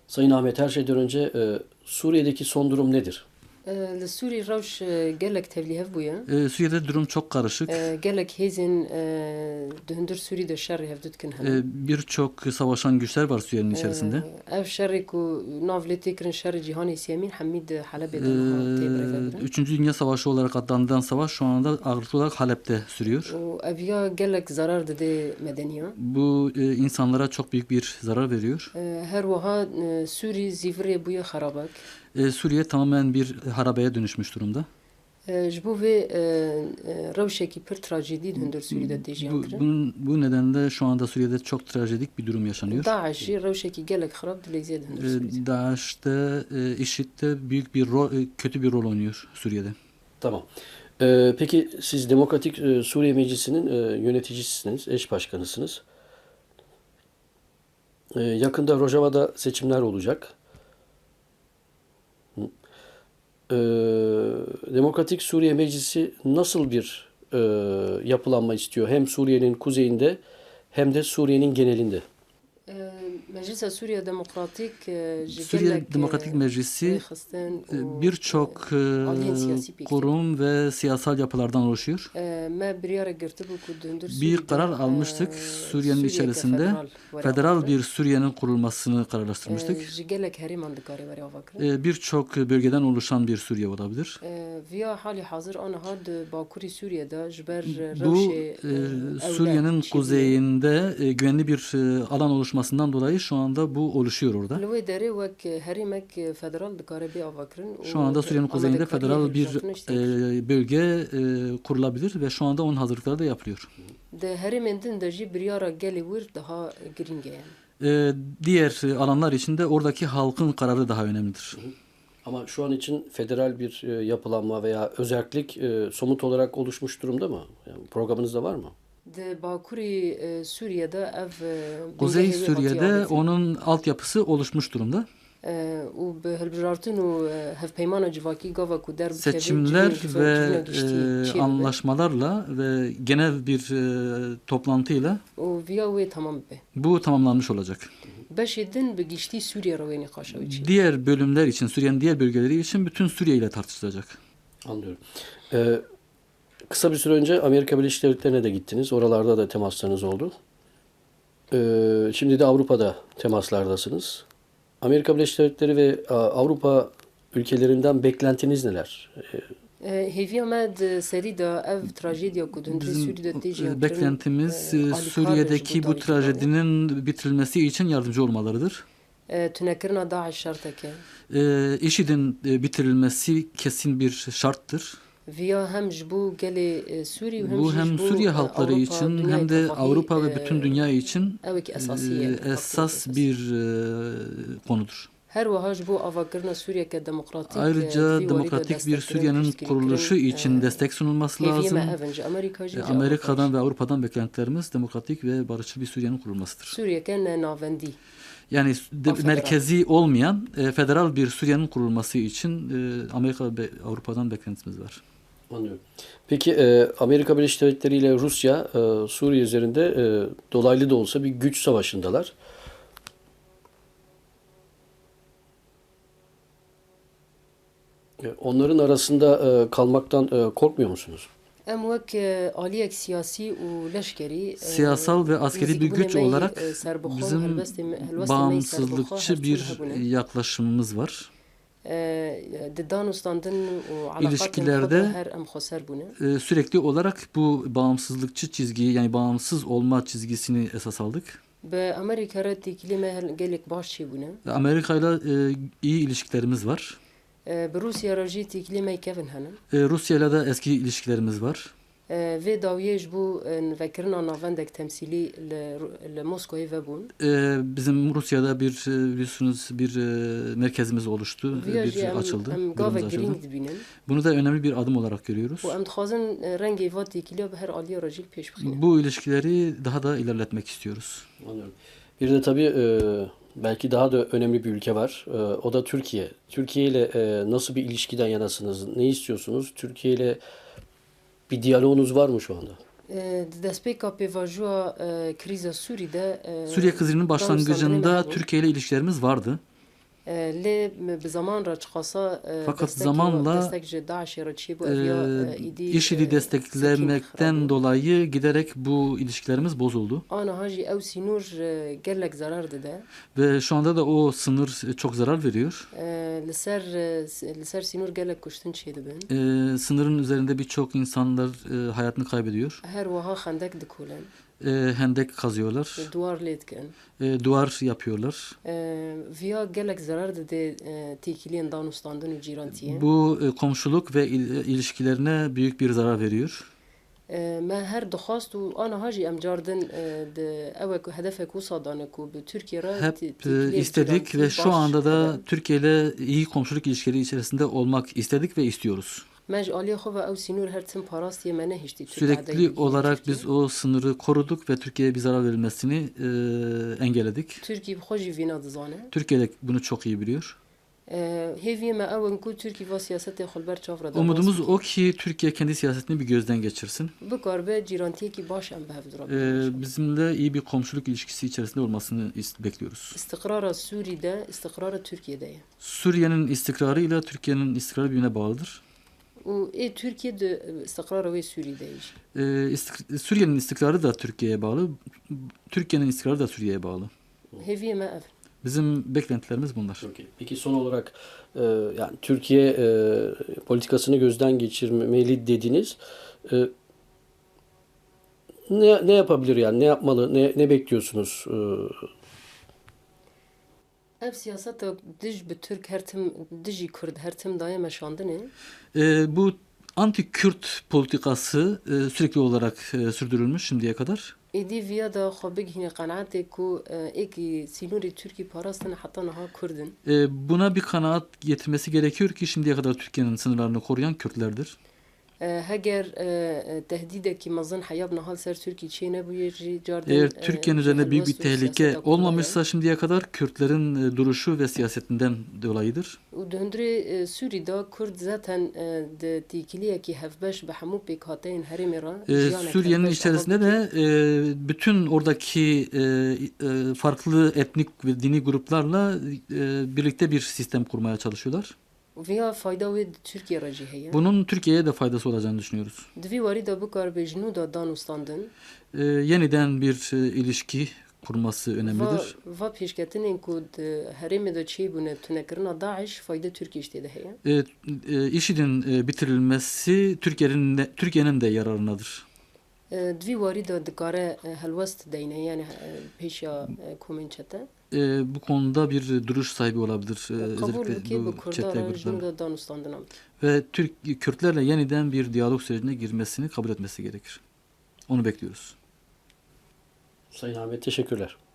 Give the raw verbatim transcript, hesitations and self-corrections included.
Sayın Ahmet, her şeyden önce e, Suriye'deki son durum nedir? Li Sûrî rewş gelek tevlî hev bûye. Ee, Suriye'de durum çok karışık. Gelek hêzên di hundir Sûrî de şerrê hev dikin hene. Ee, Birçok savaşan güçler var Suriye'nin içerisinde. Ev şerrê ku nav lê tê kirin şerrê cîhanê sêmîn hemî di Helebê Ee, de niha tê birêve birin. Üçüncü Dünya Savaşı olarak adlandırılan savaş şu anda ağırlıklı olarak Halep'te sürüyor. û ev ya gelek zarar dide medeniyan. Bu e, insanlara çok büyük bir zarar veriyor. Her wiha Sûrî zîvirê bûye xerabek. Ee, Suriye tamamen bir harabeye dönüşmüş durumda. Ji bo vê rewşekî pir trajedî di hundir Sûrî de tê jiyan Bu, kirin. bunun, bu nedenle şu anda Suriye'de çok trajedik bir durum yaşanıyor. Daeş jî rewşekî gelek xerab di lêzê di hundir Sûrî. Ee, DAEŞ'te, e, IŞİD'de büyük bir rol, e, kötü bir rol oynuyor Suriye'de. Tamam. E, peki siz Demokratik e, Suriye Meclisi'nin e, yöneticisiniz, eş başkanısınız. E, yakında Rojava'da seçimler olacak. Hı. E, Demokratik Suriye Meclisi nasıl bir e, yapılanma istiyor? Hem Suriye'nin kuzeyinde hem de Suriye'nin genelinde. Meclisa Suriye Demokratik ji Suriye gelek Demokratik Meclisi xistin e, birçok e, aliyen siyasi bir kurum ve siyasal yapılardan oluşuyor. me biryara girtibu ku di hundir Bir Sûrî karar de, almıştık e, Suriye'nin Sûriyeke içerisinde. federal were Federal avakirin. bir Suriye'nin kurulmasını kararlaştırmıştık. Ji gelek herêman dikarê were avakirin. E, Birçok bölgeden oluşan bir Suriye olabilir. Viya halî hazır aniha di Bakurî Sûriye'de ji ber Bu rewşê e, Suriye'nin kuzeyinde e, güvenli bir e, alan oluşmasından dolayı şu anda bu oluşuyor orada. Li wê derê wek herêmek federal dikare bê avakirin. Şu anda Suriye'nin kuzeyinde federal bir e, bölge e, kurulabilir ve şu anda onun hazırlıkları da yapılıyor. Di herêmên din de jî biryara gelê wir daha girîng e yani. E, Diğer e, alanlar için de oradaki halkın kararı daha önemlidir. Ama şu an için federal bir e, yapılanma veya özerklik e, somut olarak oluşmuş durumda mı? Yani programınızda var mı? Di Bakurî Sûriye'de ev Kuzey bingehê wê hatiye Suriye'de avêtin. onun altyapısı oluşmuş durumda. û bi hilbijartin û hevpeymana civakî gava ku der Seçimler ve e, anlaşmalarla ve genel bir e, toplantıyla û viya wê tamam be. bu tamamlanmış olacak. Beşê din bi giştî Sûriye re wê nîqaşa wî çî. Diğer bölümler için, Suriye'nin diğer bölgeleri için bütün Suriye ile tartışılacak. Anlıyorum. Ee, kısa bir süre önce Amerika Birleşik Devletleri'ne de gittiniz. Oralarda da temaslarınız oldu. Ee, şimdi de Avrupa'da temaslardasınız. Amerika Birleşik Devletleri ve a, Avrupa ülkelerinden beklentiniz neler? Ee, Hêviya me di serî de ev trajediya ku di hundirê Bizim Sûrî de tê jiyan e, beklentimiz e, Suriye'deki bu trajedinin bitirilmesi için yardımcı olmalarıdır. tunekirina Daeş şerteke. E, IŞİD'in e, bitirilmesi kesin bir şarttır. Viya hem ji bo gelê Sûrî û hem Bu jî hem ji bo Suriye halkları Avrupa, için dünya hem de ittifakı, Avrupa ve e, bütün dünya için evekî e, esasiye. esas bir e, konudur. Her wiha ji bo avakirina Sûriyeke demokratik. Ayrıca demokratik bir Suriye'nin kuruluşu için destek sunulması lazım. E, Amerika'dan ve Avrupa'dan beklentilerimiz demokratik ve barışçıl bir Suriye'nin kurulmasıdır. Sûriyeke ne navendi. Yani de, Federal. merkezi olmayan e, federal bir Suriye'nin kurulması için e, Amerika ve Avrupa'dan beklentimiz var. Anlıyorum. Peki e, Amerika Birleşik Devletleri ile Rusya e, Suriye üzerinde e, dolaylı da olsa bir güç savaşındalar. E, onların arasında e, kalmaktan e, korkmuyor musunuz? Em wek aliyek siyasi û leşkerî Siyasal ve askeri bir güç olarak bizim bağımsızlıkçı bir yaklaşımımız var. di danûstandin û İlişkilerde her em xweser bûne. e, sürekli olarak bu bağımsızlıkçı çizgiyi, yani bağımsız olma çizgisini esas aldık. Bi Amerîka re têkilê me gelek baş çê bûne. Amerika ile iyi ilişkilerimiz var. Bi Rusya re jî têkilê me kevin hene. E, Rusya ile de eski ilişkilerimiz var. Vê dawiyê ji bo vekirina navendek temsîlî li Moskowê vebûn. E, bizim Rusya'da bir e, biliyorsunuz bir e, merkezimiz oluştu, e, bir açıldı. Em gavek girîng dibînin. Bunu da önemli bir adım olarak görüyoruz. û em dixwazin rengê va têkiliya bi her aliya re jî pêş bixînin. Bu ilişkileri daha da ilerletmek istiyoruz. Anlıyorum. Bir de tabii e, belki daha da önemli bir ülke var. E, o da Türkiye. Türkiye ile e, nasıl bir ilişkiden yanasınız? Ne istiyorsunuz? Türkiye ile bir diyaloğunuz var mı şu anda? Di destpêka pêvajoya krîza Sûrî de Suriye krizinin başlangıcında Türkiye ile ilişkilerimiz vardı. Le bir zaman raçkasa Fakat zamanla e, IŞİD'i desteklemekten dolayı giderek bu ilişkilerimiz bozuldu. Ana haji ev sinur gerlek zarar dede. Ve şu anda da o sınır çok zarar veriyor. Liser liser sinur gerlek kuştun şeydi ben. E, sınırın üzerinde birçok insanlar e, hayatını kaybediyor. Her vaha khandek dikulen. E, hendek kazıyorlar. Duvar letken. E, duvar yapıyorlar. Via gerlek zarar dede tekiliyen danustandın u cirantiye. Bu e, komşuluk ve il, ilişkilerine büyük bir zarar veriyor. ما هر دخواست و آن هاجی ام جاردن de evek hedefek usadane ku bu Türkiye'ye hep e, istedik ve şu anda da Türkiye ile iyi komşuluk ilişkileri içerisinde olmak istedik ve istiyoruz. Sürekli olarak biz o sınırı koruduk ve Türkiye'ye bir zarar verilmesini e, engelledik. Türkiye de bunu çok iyi biliyor. Umudumuz o ki Türkiye kendi siyasetini bir gözden geçirsin. Ee, bizimle iyi bir komşuluk ilişkisi içerisinde olmasını bekliyoruz. İstikrara Suriye'de, istikrara Türkiye'de. Suriye'nin istikrarı ile Türkiye'nin istikrarı birbirine bağlıdır. O e Türkiye'de istikrarı ve Suriye'de. Ee, istik Suriye'nin istikrarı da Türkiye'ye bağlı. Türkiye'nin istikrarı da Suriye'ye bağlı. Heviye mi ev? Bizim beklentilerimiz bunlar. Okay. Peki son olarak e, yani Türkiye e, politikasını gözden geçirmeli dediniz. E, ne ne yapabilir yani? Ne yapmalı? Ne ne bekliyorsunuz? E, Ev siyasete dij bi Türk her tim diji Kurd her tim daye meşandını. E, bu anti-Kürt politikası e, sürekli olarak e, sürdürülmüş şimdiye kadar. İdi via da xabig hine kanaate ku eki sinuri Türkiye parasını hatta naha Kurdun. E, buna bir kanaat getirmesi gerekiyor ki şimdiye kadar Türkiye'nin sınırlarını koruyan Kürtlerdir. Heger tehdideki mazın hayab nahal ser Türkiye çiğne bu yeri carden. Eğer Türkiye'nin üzerinde büyük bir tehlike olmamışsa şimdiye kadar Kürtlerin duruşu ve siyasetinden dolayıdır. U döndüre Suriye'de Kürt zaten de tikiliye ki hevbeş be hamu pekateyn harimira. Suriye'nin içerisinde de bütün oradaki farklı etnik ve dini gruplarla birlikte bir sistem kurmaya çalışıyorlar. Veya fayda ve Türkiye racihiye. Bunun Türkiye'ye de faydası olacağını düşünüyoruz. Dvi varida bu kar bejnu da danustandın. Ee, yeniden bir e, ilişki kurması önemlidir. Va peşketinin ku herime de çey bune tünekrina Daesh fayda Türkiye işte de heye. Ee, e, IŞİD'in e, bitirilmesi Türkiye'nin de, Türkiye'nin de yararınadır. Dvi varida dikare helvest deyne yani peşya komençete. E, bu konuda bir duruş sahibi olabilir. E, özellikle bu çete grupları. Ve Türk Kürtlerle yeniden bir diyalog sürecine girmesini kabul etmesi gerekir. Onu bekliyoruz. Sayın Ahmet teşekkürler.